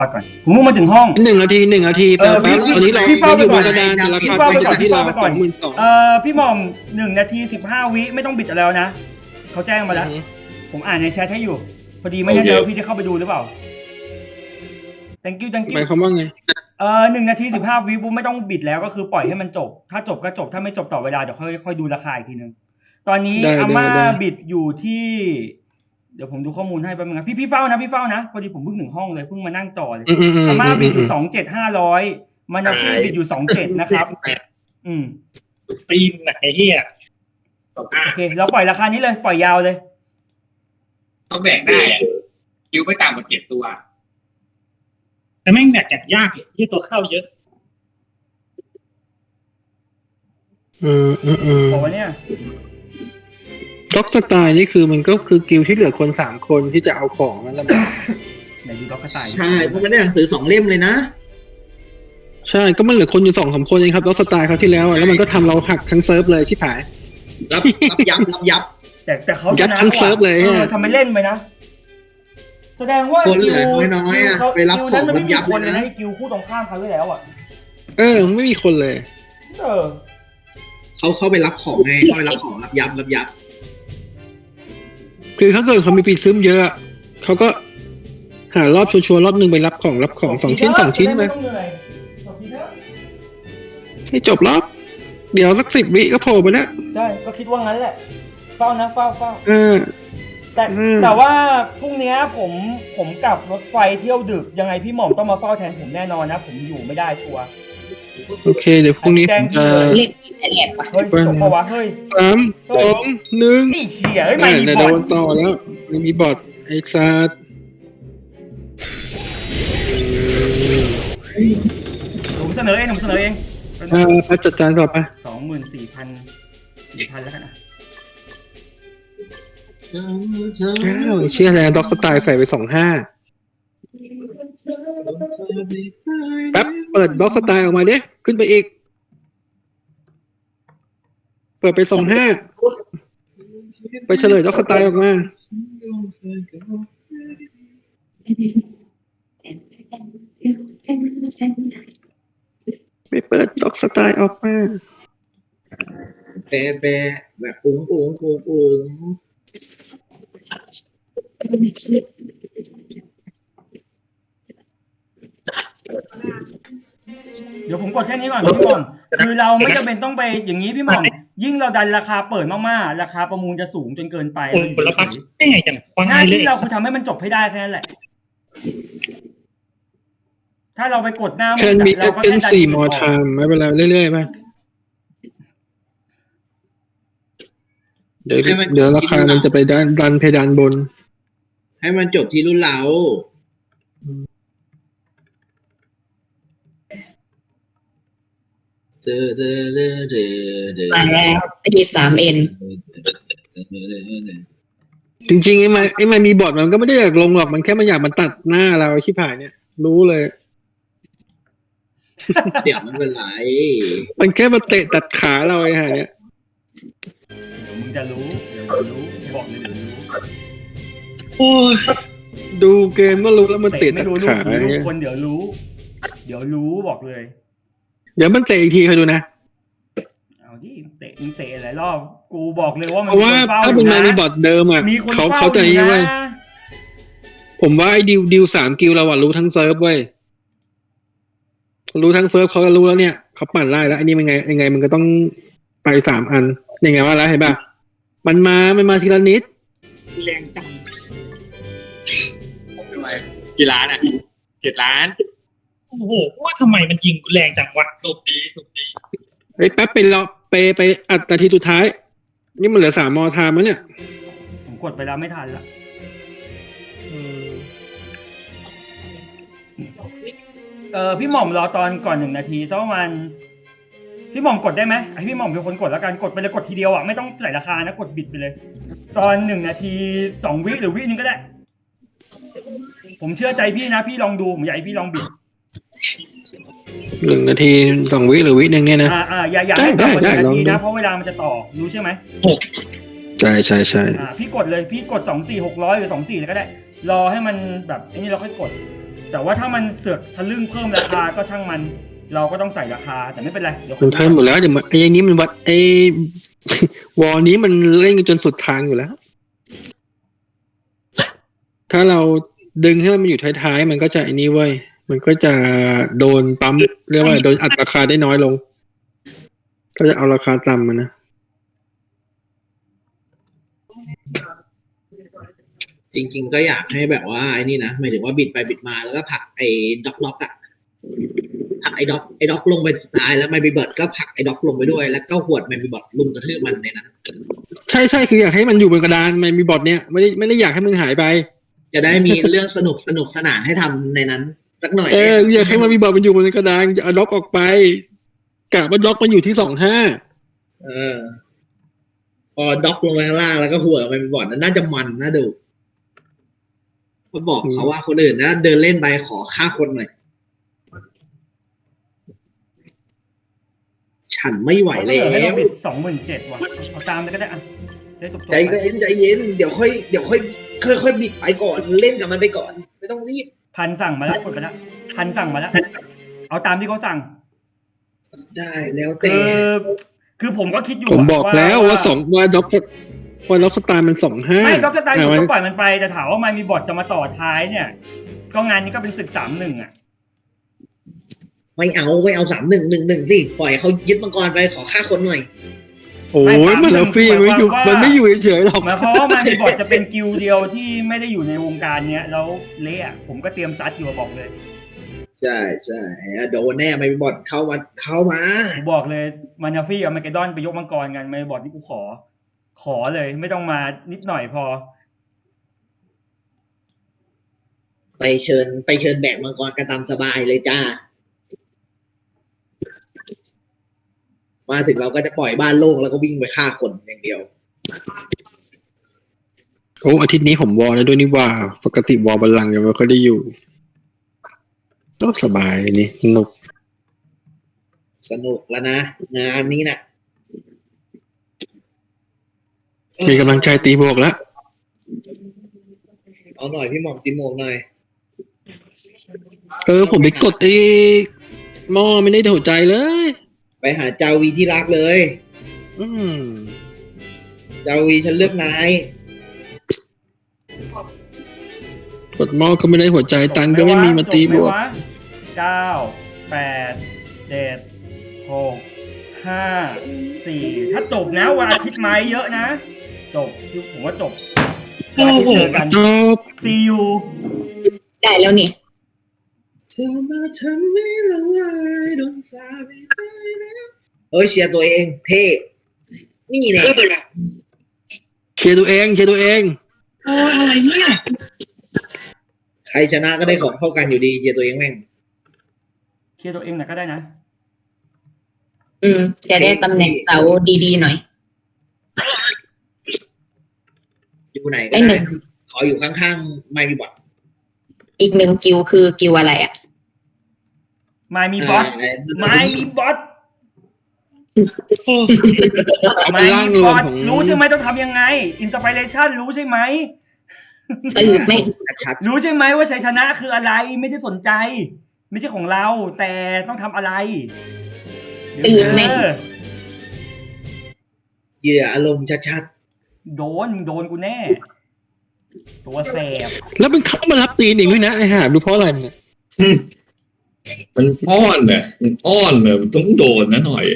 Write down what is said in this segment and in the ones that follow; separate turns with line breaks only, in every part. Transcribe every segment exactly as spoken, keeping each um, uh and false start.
ปัดก่อนผมมุ่งมาถึงห้อง
หนึ่งนาทีหนึ่งนาที
เออพี่
ตอนนี้เรา
พี่เฝ้า
อยู่
ไป
บ
ก่อน
นกระดานแต่รา
พี่
คา
เฝ้าไป
ต
ก่
อ
อน
นที่
พี่
เรา
เฝ้าไป
ส
ก่อ
อน งหมื่นสอง
เอ่อพี่หม่อมหนึ่งนาทีสิบห้าวิไม่ต้องบิดแล้วนะเขาแจ้งมาแล้วผมอ่านในแชทให้อยู่พอดีไม่แน่ใจว่าพี่จะเข้าไปดูหรือเปล่า thank you thank
หมาย
you
ความว่าไง
เออหนึ่งนาทีสิบห้าวิปุ๊บไม่ต้องบิดแล้วก็คือปล่อยให้มันจบถ้าจบก็จบถ้าไม่จบต่อเวลาเดี๋ยวค่อยค่อยดูราคาอีกทีนึงตอนนี้
ได้
อาม่า
ได้ได้
บิดอยู่ที่เดี๋ยวผมดูข้อมูลให้แป๊บนึงนะพี่พี่เฝ้านะพี่เฝ้านะพอดีผมเพิ่งถึงห้องเลยเพิ่งมานั่งต่อเลย
อืมอืมอืม
อาม่าบิดอยู่
ม
สองเจ็ดห้าร้อยมานาฟี่บิดอยู่สองเจ็ดนะครับ อืม
ปีนไหนเฮียสองห้า
โอเคเราปล่อยราคานี้เลยปล่อยยาวเลย
เขาแบ่งได้อะคิวไม่ต่ำกว่าเจ็ดตัว
แต่แม่งแบกอย่างยากเลยที่ตัวเข้าเยอะ
อืมอืมอืม
บอกว่าเนี่ย
ด็อกสไตล์นี่คือมันก็คือกิลด์ที่เหลือคนสามคนที่จะเอาของนั่นแหละ
ไหนดูด็อกกระต่าย
ใช่เพราะมันได้หนังสือสองเล่มเลยนะ
ใช่ก็มันเหลือคนอยู่สองสามคนเองครับด็อกสไตล์เขาวที่แล้วอะแล้วมันก็ทำเราหักทั้งเซิร์ฟเลยชิบหาย
รับรับยับรับยับ
แต่แต่เขา
ยัดทั้งเซิร์ฟเลย
เออ
อะ
ทำไมเล่นไปนะแสดงว่า
คนเหลือน้อยๆอะ
กิว
ไปรับ
กิวนั้นมัน
ของ
ไม่มี
ยับ
คน
เล
เลย ย
นะ
นะไอ้กิวคู่ตรงข้ามเขาไว้แล้วอ่ะ
เออไม่มีคนเลย
เออ
เขาเข้าไปรับของไงเข้าไปรับของรับยับรับยับ
คือถ้าเกิดเขามีปีซึมเยอะอะเขาก็หารอบชัวร์ๆรอบหนึ่งไปรับของรับของสองชิ้นสองชิ้นไป
ไม่ต้องเหนื่อยจบทีเถอะ
ให้จบรอบเดี๋ยวสักสิบวิก็โผล่ไปแล้ว
ได้ก็คิดว่างั้นแหละเฝ้านะเฝ้าเฝ้า
เออ
แต่
อืม
แต่ว่าพรุ่งนี้ผมผมกลับรถไฟเที่ยวดึกยังไงพี่หม่อมต้องมาเฝ้าแทนผมแน่นอนนะ ผมอยู่ไม่ได้ชัวร์
โอเค เดี๋ยวพรุ่งนี้ผมจะ
เล่นละเอียดปะ
เฮ้ยจบปะวะเฮ้ย
สามสองหนึ่ง
นี่เหี้ยเฮ้ยไม่มี
เดี๋ยว
บอ
โด
ล
นต่อแล้วไม่มีบอทไอ้ซาด
ผมเสนอเองผมเสนอเอง
อ่าไปจัดการก่อนไป
สองหมื่นสี่พันสี่พันแล้วกันนะ
อ้าวเชื่อแล้วด็อกสไตล์ใส่ไปสองห้าแป๊บเปิดด็อกสไตล์ออกมาดิขึ้นไปอีก เปิดไปสองห้าไปเฉลยด็อกสไตล์ออกมาไปเปิดด็อกสไตล์ออกมา
แปะแปะแบบปุ้งปุ้งปุ้งปุ้ง
เดี๋ยวผมกดแค่นี้ก่อนพี่หม่อมคือเราไม่จำเป็นต้องไปอย่างนี้พี่หม่อมยิ่งเราดันราคาเปิดมากๆราคาประมูลจะสูงจนเกินไป
โอ้ยผลพักได้ไงจังฟัง
หน้า
เลย
ที่เราคือทำให้มันจบให้ได้แค่นั้นแหละ ถ้าเราไปกดหน้ามื
แค่
ด
มี
อะเราก็
เป็น
แค่ดัน
สี่
จุด
มอ
ออก
ไทม์ไม่เป็นไรเรื่อยๆไปเดี๋ยวเดี๋ยวราคามันจะไปดันดันเพดานบน
ให้มันจบที่รุ่นเราเจอเจอเจอเจอเจอ
มาแล้วตีสามเอ็น
จริงๆไอ้มันไอ้มันมีบอทมันก็ไม่ได้อยากลงหรอกมันแค่มันอยากมันตัดหน้าเราชิบหายเนี่ย รู้เลย
เดี๋ยวมันเป็นไร
มันแค่มาเตะตัดขาเราไอ้ห่าเนี่ย
เดี๋ยวมึงจะรู้เดี๋ยวมึงรู้บอกเลยเดี๋ยวมึงรู้
โอ้ยดูเกมก็รู้แล้วมันเตะ
เตะไม่
ตัด
รู้ลูก
ขา
ผีลูก
เนี่ย
คนเดี๋ยวรู้ เดี๋ยวรู้บอกเลย
เดี๋ยวมันเตะอีกทีคอยดูนะ
เอาดิเตะมึงเตะหลายรอบกูบอกเลยว่ามัน
เพราะว่า
มีคนเฝ้า
ถ้า
อ
เป็น
ยู่
มา
นะ
มีบอทเดิมอ่ะ
มีคน
เขา
เฝ้า
เขาจะ
อ
นี่
ยู่
เว้ย
นะ
ผมว่าไอ้ดิวดิวสามกิลเราอ่ะรู้ทั้งเซิร์ฟเว้ยรู้ทั้งเซิร์ฟเขาก็รู้แล้วเนี่ยเขาปั่นไล่แล้วอันนี้มันไงยังไงมันก็ต้องไปสามอันยังไงว่าแล้วเห็นป่ะมันมามันมาทีละนิด
แรงจัง
ทำไมกี่ล้านอ่ะเจ็ดล้าน
โอ้โหว่าทำไมมันยิงแรงจังวะ
สุกดีสุกดี
เฮ้ยแป๊บไปรอไปไปอัดนาทีสุดท้าย นี่มันเหลือสามมอไทม์แล้วเนี่ย
ผมกดไปแล้วไม่ทันละเออพี่หม่อมรอตอนก่อนหนึ่งนาทีสักประมาณพี่หม่อมกดได้ไหมไอพี่หม่อมเป็นคนกดแล้วกันกดไปเลยกดทีเดียวอ่ะไม่ต้องใส่ราคานะกดบิดไปเลย ตอนหนึ่งนาทีสองวิหรือวินึงก็ได้ ผมเชื่อใจพี่นะพี่ลองดูผมอยากให้พี่ลองบิด
หนึ่งนาทีสองวิหรือวิหนึ่งเนี่ยนะ
อ่าอ่าอย่าอย่าให้ต่ำกว่า
ได้
หนึ่ง
ได้
นาที
ลองดู
นะเพราะเวลามันจะต่อรู้ใช่ไหม
ใช่ใช่ใช่
อ่าพี่กดเลยพี่กดสองสี่หกร้อยหรือสองสี่เลยก็ได้ รอให้มันแบบไอ้นี่เราค่อยกดแต่ว่าถ้ามันเสือกทะลึ่งเพิ่มราคาก็ช่างมัน เราก็ต้องใส่ราคาแต่ไม่เป็นไรเดี๋ยว
มันเพิ่มหมดแล้วเดี๋ยวมันไอ้นี้มันวัดไอ้ วอลนี้มันเล่นกันจนสุดทางอยู่แล้ว ถ้าเราดึงให้มันอยู่ท้ายๆมันก็จะไอ้นี้เว้ยมันก็จะโดนปั๊มเรียกว่าโดนอัดราคาได้น้อยลง ก็จะเอาราคาต่ำมานะ
จริง ๆ ก็อยากให้แบบว่าไอ้นี่นะหมายถึงว่าบิดไปบิดมาแล้วก็ผลักไอ้ด็อกล็อกอะผลักไอ้ด็อกไอ้ด็อกลงไปสุดท้ายแล้วไมบิบอทก็ผลักไอ้ด็อกลงไปด้วยแล้วก็หวดไมบิบอทลุมกระทืบมันในนั้น
ใช่ใช่คืออยากให้มันอยู่บนกระดานมันมีบอทเนี้ยไม่ได้ไม่ได้อยากให้มันหายไป
จะได้มีเรื่องสนุกสนุกสนานให้ทำในนั้นสักหน่อย
เอออยากให้มันมีบอทมันอยู่บนกระดานจะเอาล็อกออกไปกะว่าล็อกมันอยู่ที่สองห้า
เออ พอด็อกลงไปข้างล่างแล้วก็หัวไมบิบอทนั้นน่าจะมันน่าดูก็บอกเขาว่าคนอื่นนะเดินเล่นไปขอฆ่าคนหน่อยฉันไม่ไหว
เขาเส
แล้
นอให้เรา
ว
บิดสองหมื่นเจ็ดว่ะเอาตามไปก็ได้อ่ะได้จบๆ
ใจ
ไป
เย็นใจเย็นเดี๋ยวค่อยเดี๋ยวค่อยค่อยค่อยบิดไปก่อนเล่นกับมันไปก่อน ไม่ต้องรีบ
พันสั่งมาแล้วกดไปแล้วพันสั่งมาแล้วเอาตามที่เขาสั่ง
ได้แล้ว
คื
แต่
อ คือผมก็คิดอยู่
ผมบอกแล้วว่าสองว่าด็อกว่าล็อกสตาร์มันสองห้า
ไม่ด็อกสไตล์อยู่
มัน
ก็ปล่อยมันไปแต่ถามว่ามันมีบอทจะมาต่อท้ายเนี่ย ก็งานนี้ก็เป็นศึกสามหนึ่งอ่ะ
ไม่เอาไม่เอาสามหนึ่งหนึ่งหนึ่งสิปล่อยเขายึดมังกรไปขอฆ่าคนหน่อย
โอ้ยมันแล้วฟรีมันไม่อยู่มันไม่อยู่เฉยๆหรอก
หมายความว่ามันมีบอทจะเป็นกิลด์เดียวที่ไม่ได้อยู่ในวงการเนี้ยแล้วเละอะผมก็เตรียมซัดอยู่บอกเลย
ใช่ใช่โดนแน่ไม่บอดเข้ามาเข้ามา
ผมบอกเลยมานาฟี่กับมาเกดอนไปยกมังกรกันไม่บอทนี่กูขอ ขอเลยไม่ต้องมานิดหน่อยพอ
ไปเชิญไปเชิญแบกมังกรกันตามสบายเลยจ้า มาถึงเราก็จะปล่อยบ้านโล่งแล้วก็วิ่งไปฆ่าคนอย่างเดียว
โอ้อาทิตย์นี้ผมวอลแล้วด้วยนี่ว่าปกติวอลบัลลังก์ยังไม่ค่อยได้อยู่ก็สบายนี่สนุก
สนุกแล้วนะงานนี้นะ
มีกำลังใจตีบวกแล้ว
เอาหน่อยพี่หม่อมตีโมกหน่อย
เออผมไปกดไอ้หม้อไม่ได้หัวใจเลย
ไปหาจาวีที่รักเลย
อืม
จาวีฉันเลือกนาย
กดหม้อก็ไม่ได้หัวใจตังค์ก็ไม่มีมาตีบวก
เก้าแปดเจ็ดหกห้าสี่ถ้าจบนะวันอาทิตย์ไม้เยอะนะจบผมว่าจบวันอาทิตย์เจอกัน
จบ
ซียู
ได้แล้วนี่
เธอมาทำให้ละลายโดนสาบไม่ได้นะเอ้ยเชียร์ตัวเองเท่นี่เนี่ย
เคลียร์ตัวเองเคลียร์ตัวเอง
โอ้ยอะไรเนี่ย
ใครชนะก็ได้ของเท่ากันอยู่ดีเชียร์ตัวเองแม่ง
เคลียร์ตัวเองหน่อยก็ได้นะ
อืมจะได้ตำแหน่งเสาดีๆหน่อย
อยู่ไหนก็
ได้ห
ได้
นึ่ง
ขออยู่ข้างๆไม่มีบอท
อีกหนึ่งกิวคือกิวอะไรอ่ะ
ไม่มีบอสไม่มีบอส
เอา
ไม่
เป็นร่าง
มี
ร
บ
ว
อ
ม
ส
ของ
รู้ใช่ไหมต้องทำยังไงอินสปิเรชันรู้ใช่ไหม
ตื่นไม่
ชัด
รู้ใช่ไหมว่าชัยชนะคืออะไรไม่ได้สนใจ ไม่ใช่ของเรา แต่ต้องทำอะไร
ตื่นไม่
เออ
ๆเหยื่ออารมณ์ชัด
โดนมึงโดนกูแน่ ตัวแสบ
แล้วมันเข้ามารับตีนอีกด้วยนะไอ้ห่าดูเพราะอะไรมันเนี่ย
มันอ้อนเนี่ยมันอ้อนเนี่ยมันต้องโดนนะหน่อย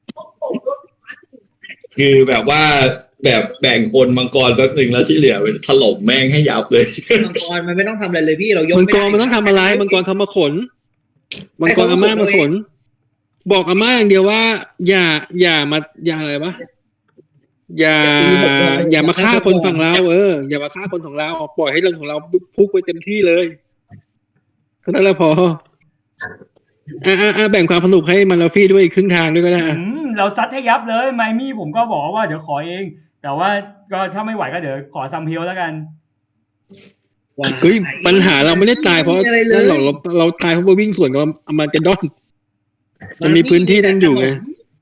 คือแบบว่าแบบแบ่งคนมังกรแป๊บหนึ่งแล้วที่เหลือเป็นถล่มแม่งให้ยับเลย
ๆมังกรมันไม่ต้องทำอะไรเลยพี่เรายก
มัง
ไม่
ก
ได้
รมันต้องทำอะไรมังกรเขามาขนมังกรอาม่ามาขน บอกอาม่าอย่างเดียวว่า อย่า อย่ามาอย่าอะไรวะอย่า อย่ามาฆ่าคนฝั่งเราเอออย่ามาฆ่าคนของเราปล่อยให้เรื่องของเราพุกไปเต็มที่เลยเท่านั้นแหละพออ่าอ่าแบ่งความสนุกให้มันลาฟี่ด้วยอีกครึ่งทางด้วยก็ได้
อืมเราซัดให้ยับเลยไมมี่ผมก็บอกว่าเดี๋ยวขอเอง แต่ว่าก็ถ้าไม่ไหวก็เดี๋ยวขอซัมเฮลแล้วกัน
ว่า
เฮ้ยปัญหาเราไม่ได้ตายเพราะ
ไม่มีอะไรเลย
นั่นหรอกเราเราตายเพราะว่าวิ่งสวนกับอามันกระดอน มันมีพื้นที่นั่นอยู่ไง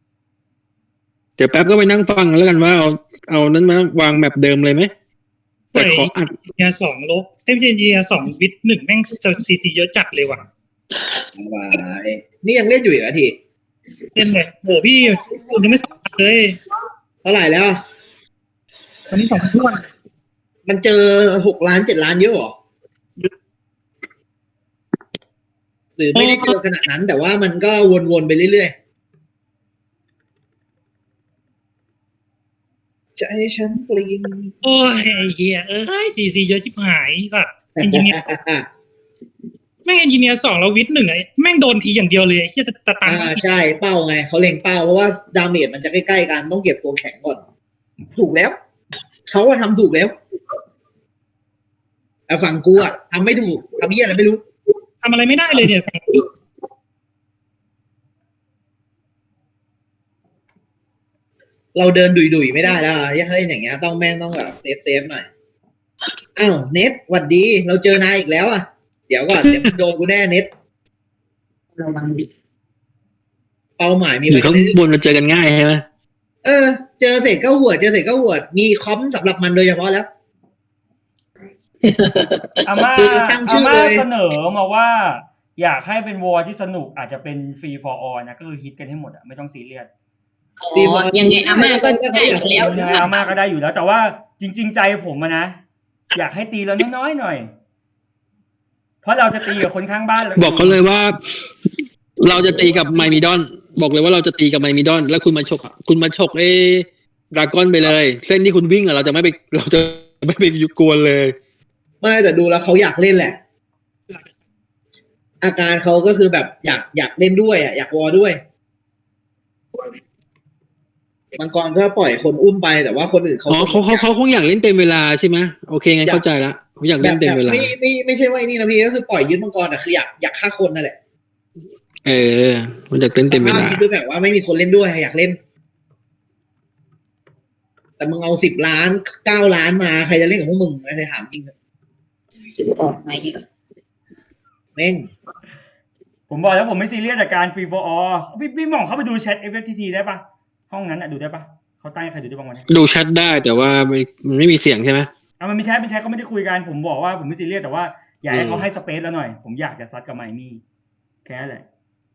เดี๋ยวแป๊บก็ไปนั่งฟังแล้วกันว่าเอาเอานั้นมาวางแมปเดิมเลยไหมแต่ขออัด
เนียสองลบเอ้ยไม่ใช่เนียสองวิทหนึ่งแม่งซีซีเยอะจัดเลยว่ะ
บายนี่ยังเล่นอยู่อีกเหรอที
เล่นเลยโหพี่ผมยังไม่สองพันเลย
เท่าไหร่แล้ว
ตอนนี้สองพันทุกวัน
มันเจอหกล้านเจ็ดล้านเยอะเหรอหรือไม่ได้เจอขนาดนั้น แต่ว่ามันก็วนๆไปเรื่อยๆใจฉันปลีน
โอ้ยไอ้เฮียเอ้ยซีซีเยอะชิบหายแบบเอนจิเนียร์แม่งเอนจิเนียร์สองแล้ววิทหนึ่งไอ้แม่งโดนทีอย่างเดียวเลยเฮียตะตัง
อ่าใช่เป้าไงเขาเล็งเป้าเพราะว่าดาเมจมันจะใกล้ๆกันต้องเก็บตัวแข็งก่อน ถูกแล้วเขาว่าทำถูกแล้วแต่ฝั่งกูอะทำไม่ถูกทำเหี้ยอะไรไม่รู้
ทำอะไรไม่ได้เลยเนี่ย
เราเดินดุยๆไม่ได้แล้วอะถ้าเล่นอย่างเงี้ยต้องแม่งต้องแบบเซฟเซฟหน่อยอ้าวเน็ตหวัดดีเราเจอนายอีกแล้วอ่ะเดี๋ยวก่อนเดี๋ยวมึงโดนกูแน่เน็ต
ระวังดิ
เป้าหมายมี
อยู่
ไว้
ข้างบนมันเจอกันง่ายใช่ไหม
เออเจอเสร็จก็หัวดเจอเสร็จก็หัวดมีคอมสำหรับมันโดยเฉพาะแล้ว
อาม่า
คือตั้งชื่
อา
อ
ม่า
เลย
เสนอมาว่า อยากให้เป็นวอร์ที่สนุกอาจจะเป็นฟรีฟอร์ออนะก็คือฮิตกันให้หมดอะไม่ต้องซีเรียส
อ๋อยังไงอาม่าก็ได้อยู่แล้ว
ยังไงอาม่าก็ได้อยู่แล้ว แต่ว่าจริง ๆ ใจผมอะนะอยากให้ตีเราน้อยๆหน่อย เพราะเราจะตีกับคนข้างบ้านแล้ว
บอกเขาเลยว่า เราจะตีกับไมมิดอน บอกเลยว่าเราจะตีกับไมมิดอน แล้วคุณมาฉกอะคุณมาฉกไอ้ดราก้อนไปเลย เส้นที่คุณวิ่งอะเราจะไม่ไปเราจะไม่ไปยุกวนเลย
ไม่แต่ดูแล้วเขาอยากเล่นแหละ อาการเขาก็คือแบบอยากอยากเล่นด้วยอ่ะอยากวอด้วยมังกรก็ปล่อยคนอุ้มไปแต่ว่าคนอื่นเขา
อ๋อเขาเขาเขาคงอยากเล่นเต็มเวลาใช่ไหมโอเคงั้นเข้าใจละเขาอยาก
แบ
เล่
บ
นเต็
แบ
ม
บ
เวลา
ไม่ไม่ไม่ใช่ว่าไอ้นี่นะพี่ก็คือปล่อยยึดมังกรอ่ะคืออยากอยากฆ่าคนนั่นแหละ
เออมันอยากเล่นเต็มเว
ภาพ
ลา
นี้คือแบบว่าไม่มีคนเล่นด้วยอยากเล่น แต่มึงเอาสิบล้านเก้าล้านมาใครจะเล่นกับพวกมึงไม่เคยถามจริง
จะออกไหมอ่ะ
แม่ง
ผมบอกแล้วผมไม่ซีเรียสกับการฟรีฟอร์ออพี่พี่หม่องเข้าไปดูแชท เอฟ เอฟ ที ที ได้ปะห้องนั้นอะดูได้ปะเขาตั้งให้ใครดูได้บ้างวะเนี่ย
ดูแชทได้แต่ว่าไม่มันไม่มีเสียงใช่ไหม
อ่ะมันไม่ใช่ไม่ใช่เขาไม่ได้คุยกันผมบอกว่าผมไม่ซีเรียสแต่ว่าอยากให้
อืม
เขาให้สเปซแล้วหน่อย ผมอยากจะซัดกับไมมี่แค่นั้นแหละ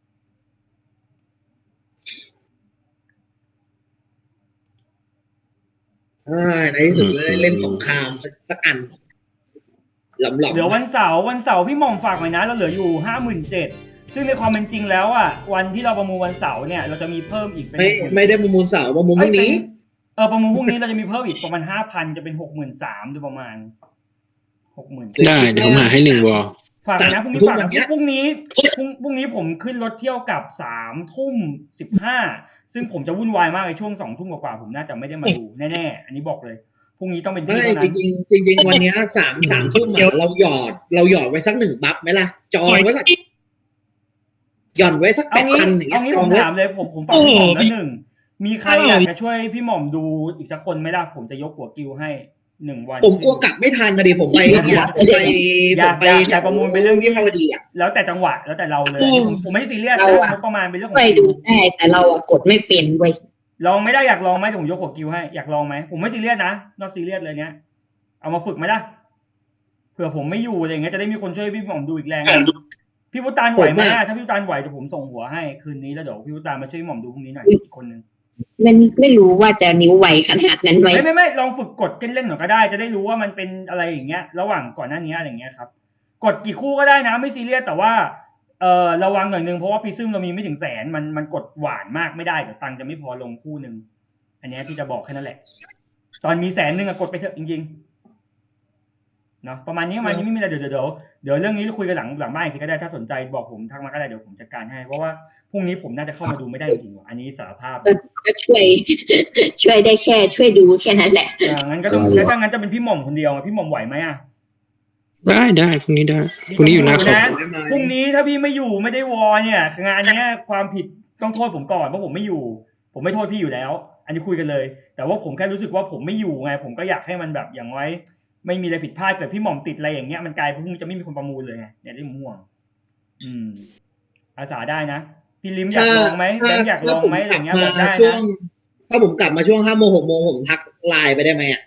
เออในที่สุดได้เล่นสงครามสักสักอันหลอมหลอม
เดี๋ยววันเสาร์วันเสาร์พี่หม่อมฝากไว้นะเราเหลืออยู่ห้าหมื่นเจ็ดซึ่งในความเป็นจริงแล้วอ่ะวันที่เราประมูลวันเสาร์เนี่ยเราจะมีเพิ่มอีกเป็น
ไม่ไม่ได้ประมูลเสาร์ประมูลพรุ่งนี้
เออประมูลพรุ่งนี้เราจะมีเพิ่มอีกประมาณห้าพันจะเป็นหกหมื่นสามโดยประมาณหกหมื่น
ได้เดี๋ยวผมหาให้หนึ่งวอล
ฝากไว้นะพรุ่งนี้
ทุก
ฝาก
วัน
นะ
เนี้ย
พรุ่งนี้พรุ่งพรุ่งนี้ผมขึ้นรถเที่ยวกลับสามทุ่มสิบห้าซึ่งผมจะวุ่นวายมากในช่วงสองทุ่มกว่าๆผมน่าจะไม่ได้มาดูแน่ๆอันนี้บอกเลยพรุ่งนี้ต้องเป็นพี่
ไม่
เท่า
จ
นั้น
ริงๆจริง ๆ วันเนี้ยสามสามทุ่มอะเราหยอด เราหยอดไว้สักหนึ่งบัฟไหมล่ะ จองไว้ก่อนหย่อนไว้สักแป
เอา
ด
งี้
พันอย่างเงี้
เอา
ย
งี้
จ
ผ
อง
ม
ไว้
ถามเลยผมผมฝากพี่หม่อมแล้วหนึ่งมีใครอยากจะช่วยพี่หม่อมดูอีกสักคนไหมล่ะผมจะยกหัวกิวให้หนึ่งวัน
ผมกลัวกลับไม่ทันนะดิผมไปเนี่ยผมไป
อ
ผ
ยาม ก
ไป
อยากอยากประมูลเป็นเรื่อง
วิ
ที่
ภาวดีอ่ะ
แล้วแต่จังหวะแล้วแต่เราเลยผมผมไม่ซีเรียสนะงบประมาณเป็นเรื่องขอ
ไป
ง
ดูได้แต่เราอะกดไม่เป็นเว้ย
ลองไม่ได้อยากลองไหมผมยกหัวกิวให้อยากลองไหมผมไม่ซีเรียสนะนอกซีเรียสเลยเนี้ยเอามาฝึกไหมล่ะเผื่อผมไม่อยู่อะไรอย่างเงี้ยจะได้มีคนช่วยพี่หม่อมดูอีกแรงพี่พุตานไหวไหมถ้าพี่พุตานไหวเดี๋ยวผมส่งหัวให้คืนนี้แล้วเดี๋ยวพี่พุตานมาช่วยพี่หม่อมดูพรุ่งนี้หน่อยอีกคนนึง
มันไม่รู้ว่าจะนิ้วไวขนาดนั้นไหม
ไม่ไม่ไม่ลองฝึกกดเล่นๆหน่อยก็ได้จะได้รู้ว่ามันเป็นอะไรอย่างเงี้ยระหว่างก่อนหน้านี้อะไรอย่างเงี้ยครับกดกี่คู่ก็ได้นะไม่ซีเรียสแต่ว่าเออระวังหน่อยนึงเพราะว่าพีซึมเรามีไม่ถึงแสนมันมันกดหวานมากไม่ได้เดี๋ยวตังค์จะไม่พอลงคู่นึงอันนี้พี่จะบอกแค่นั้นแหละตอนมีแสนนึงอะกดไปเถอะจริงๆเนาะประมาณนี้ประมาณนี้ไม่มีอะไรเดี๋ยวเดี๋ยวเดี๋ยวเรื่องนี้เราคุยกันหลังหลังบ้านอีกทีก็ได้ถ้าสนใจบอกผมทักมาก็ได้เดี๋ยวผมจัดการให้เพราะว่าพรุ่งนี้ผมน่าจะเข้ามาดูไม่ได้จริงๆว่ะอันนี้สารภาพ
ก็ช่วย ช่วยได้แค่ช่วยดูแค่นั้นแหละ
อ่างั้นก็ต้องแล้วถ้างั้นจะเป็นพี่หม่อมคนเดียวอะพี่หม่อมไหวไหมอ่ะ
ได้ได้พรุ่งนี้ได้พรุ่งนี้อยู่หน้าคอม
นะพรุ่งนี้ถ้าพี่ไม่อยู่ไม่ได้วอเนี่ยงานเนี้ยความผิดต้องโทษผมก่อนเพราะผมไม่อยู่ ผมไม่โทษพี่อยู่แล้ว อันนี้คุยกันเลย แต่ว่าผมแค่รู้สึกว่าผมไม่อยู่ไงผมก็อยากให้มันแบบอย่างไว้ ไม่มีอะไรผิดพลาดเกิดพี่หม่อมติดอะไรอย่างเงี้ยมันกลายเป็นพรุ่งนี้จะไม่มีคนประมูลเลยไงเนี่ยที่ผมห่วง อืม อาสาได้นะพี่ลิมอยากลองไหมแบงค์อยากลองไหมอะไรเงี้ยบอกได้
ช่ว
นะ
งถ้าผมกลับมาช่วงห้าโมงหกโมงผมทักไลน์ไปได้ไหมอ่ะ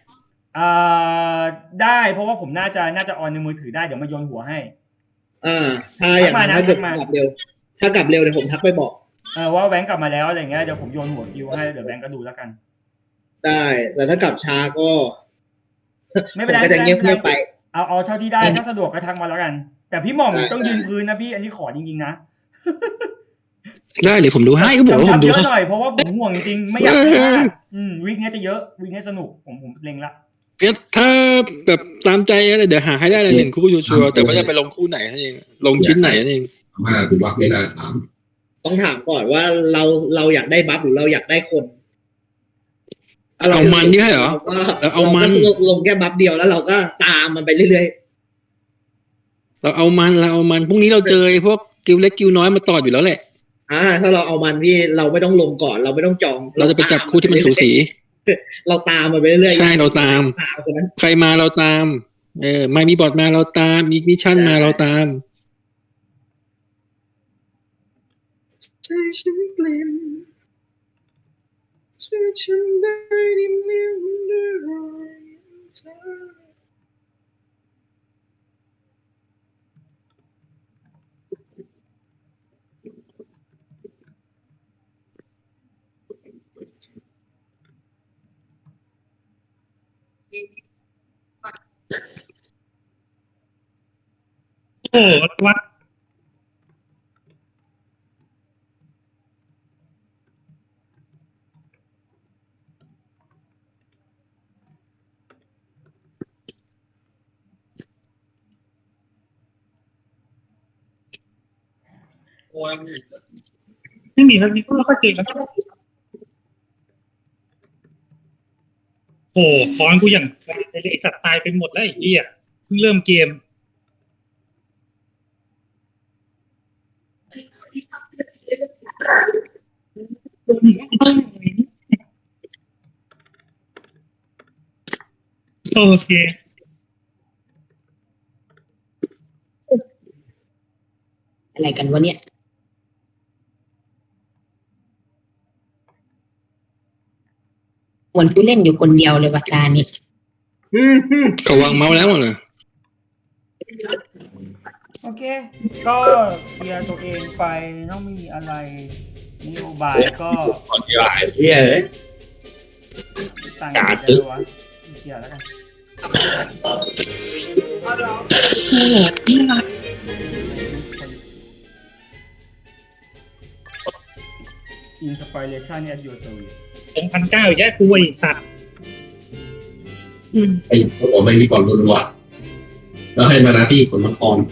อ่าได้เพราะว่าผมน่าจะน่าจะออนในมือถือได้เดี๋ยวมาโยนหัวให้
อ่า ถ้าอย่างนั้น
ทักมานะ
ถ้าเกิด
ทักมา
กลับเร็ว ถ้ากลับเร็วเดี๋ยวผมทักไปบอก
เออว่าแบงค์กลับมาแล้วอะไรเงี้ยเดี๋ยวผมโยนหัวกิวให้เดี๋ยวแบงค์ก็ดูแล้วกัน
ได้ แต่ถ้ากลับช้าก็
ไม่
ผ
เป็น
ม
ไร
ก็จะเงียบเงียบๆไป
เอาเอาเท่าที่ได้ถ้าสะดวกก็ทักมาแล้วกัน แต่พี่หม่อม
ได้
ต้องยืนพื้นนะพี่อันนี้ขอจริงๆนะ
ได้เลยผมดูให้ก็บอกว่าผม
กำชับ
ดู
เยอะ
ให้
หน่อยเพราะว่าผมห่วงจริงๆไม่อยากให้พลาดอืมวีคเนี้ยจะเยอะวีคเนี้ยสนุกผมผมเล็งละ
เพียถ้าแบบตามใจอะไรเดี๋ยวหาให้ได้เลยหนึ่งคู่ชัวร์ๆแต่ว่าจะไปลงคู่ไหนนั่นเองลงชิ้นไหนนั่นเอง
มาถือว่าไม่ได้ถาม
ต้องถามก่อนว่าเราเราอยากได้บัฟหรือเราอยากได้คน
เอามันนี่ให้เหรอ
เราก็
แล้วเอามัน
เราก็ลงแค่บัฟเดียวแล้วเราก็ตามมันไปเรื่อย
เราเอามันเราเอามันพรุ่งนี้เราเจอไอ้พวกกิวเล็กกิวน้อยมาต่ออยู่แล้วแหละ
ๆอ่าถ้าเราเอามันพี่เราไม่ต้องลงก่อน เราไม่ต้องจอง
เราจะไปจับคู่ที่มันสูสี
เราตามมันไปเรื่อยๆ
ใช่เราตาม
ตามคนนั้น
ใครมาเราตาม เออไม่มีบอร์ดมาเราตาม มีมิชชั่นมาเราตาม
ใจฉันเปลี่ยนช่วยฉันได้ดิมเลี้ยงด้วยรอยเธอ
โอ้โหว่า ไม่มีแล้วนี่ก็ค่อยเก่งแล้วโอ้คอนกูอย่างไอ้สัตว์ตายไปหมดแล้วไอ้เหี้ยเพิ่งเริ่มเกมโอเค
อะไรกันวะเนี่ยเหมือนผู้เล่นอยู่คนเดียวเลยวัตานี่
อืมอืม
เขาวางเมาส์แล้วเหรอ
โอเค ก็เคลียร์ตัวเองไปต้องมีอะไรนโยบายก็
ก่อนที่หลายเที่ยเลย
ตั้ง
กาด
ใจไว้วะเคลียร์แล้วกัน
โอ้โหนี่นะ
อินสปิเรชันเนี่ยยูเซอร์
สองพันเก้าอีกแย่กูไอ้สัตว์อืม
ไอ้ผมไม่มีความรู้ว่าแล้วให้มาหน้าที่คนมังกร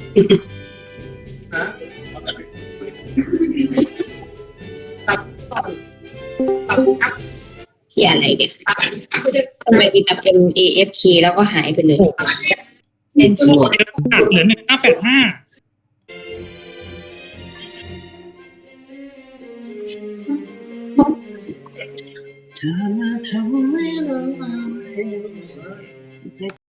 ที่อะไรเนี่ยทำไมมีแต่เป็น เอ เอฟ เค แล้วก็หายไปเลย
โอ้โหเป็นโคตรเยอะมากเหลือหนึ่งห้าแปดห้า
เธอมาทำให้เรา